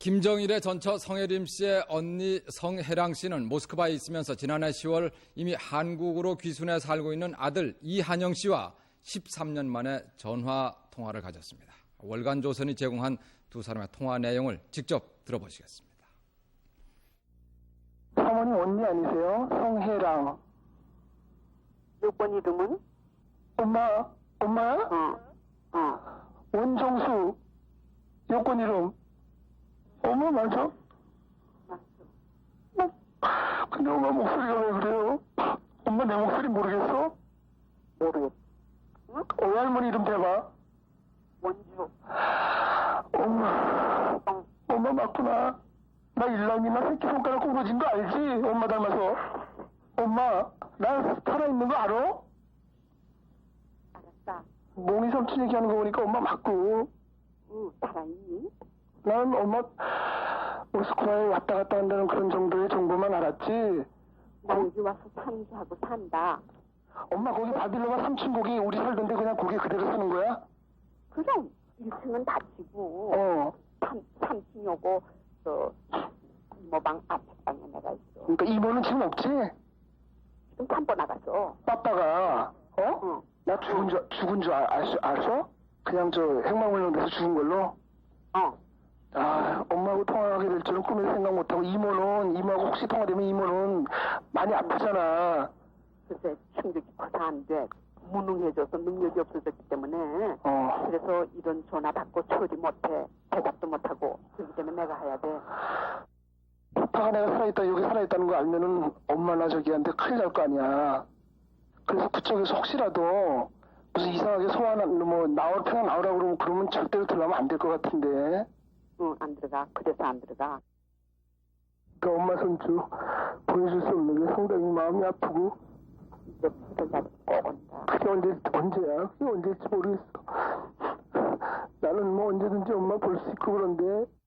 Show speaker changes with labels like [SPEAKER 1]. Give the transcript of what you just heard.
[SPEAKER 1] 김정일의 전처 성혜림 씨의 언니 성혜랑 씨는 모스크바에 있으면서 지난해 10월 이미 한국으로 귀순해 살고 있는 아들 이한영 씨와 13년 만에 전화 통화를 가졌습니다. 월간 조선이 제공한 두 사람의 통화 내용을 직접 들어보시겠습니다.
[SPEAKER 2] 사모님 언니 아니세요? 성혜랑.
[SPEAKER 3] 여권 이름은?
[SPEAKER 2] 엄마야? 원정수. 여권 이름. 엄마 맞아?
[SPEAKER 3] 맞어.
[SPEAKER 2] 근데 엄마 목소리가 왜 그래요? 엄마 내 목소리 모르겠어?
[SPEAKER 3] 모르겠어. 응?
[SPEAKER 2] 외할머니 이름 대봐.
[SPEAKER 3] 원주.
[SPEAKER 2] 엄마 맞구나. 나 일남이나 새끼손가락 구부러진 거 알지? 엄마 닮아서. 엄마, 나 살아있는 거 알아?
[SPEAKER 3] 알았다.
[SPEAKER 2] 몽이 삼촌 얘기하는 거 보니까 엄마 맞고.
[SPEAKER 3] 응, 살아있니?
[SPEAKER 2] 난 엄마 모스크바에 왔다 갔다 한다는 그런 정도의 정보만 알았지.
[SPEAKER 3] 나 여기 와서 상주하고 산다.
[SPEAKER 2] 엄마 거기 바빌로가 3층 거기 우리 살던데 그냥 거기 그대로 쓰는 거야?
[SPEAKER 3] 그럼 1층은 닫히고 3층 요거 이모방 앞방에 내가 있어.
[SPEAKER 2] 그러니까 이모는 지금 없지?
[SPEAKER 3] 지금 산보 나갔어.
[SPEAKER 2] 빠빠가
[SPEAKER 3] 응.
[SPEAKER 2] 나 죽은 줄 알았어? 그냥 저 핵망물로 죽은 걸로? 엄마하고 통화하게 될 줄은 꿈에도 생각 못하고 이모하고 혹시 통화되면 이모는 많이 아프잖아.
[SPEAKER 3] 글쎄 충격이 커서 안 돼. 무능해져서 능력이 없어졌기 때문에 그래서 이런 전화 받고 처리 못해. 대답도 못하고 그렇기 때문에 내가 해야 돼.
[SPEAKER 2] 빠빠가 내가 살아있다 여기 살아있다는 거 알면은 엄마나 저기한테 큰일 날 거 아니야. 그래서 그쪽에서 혹시라도 무슨 이상하게 소환한 그냥 나오라고 그러면 절대로 들어가면 안 될 것 같은데.
[SPEAKER 3] 응, 안 들어가. 그래서 안 들어가.
[SPEAKER 2] 그 엄마 손주 보여줄 수 없는 게 상당히 마음이 아프고.
[SPEAKER 3] 이제 들어가서 꼭 온다.
[SPEAKER 2] 그게 언제야? 그게 언제일지 모르겠어. 나는 뭐 언제든지 엄마 볼 수 있고 그런데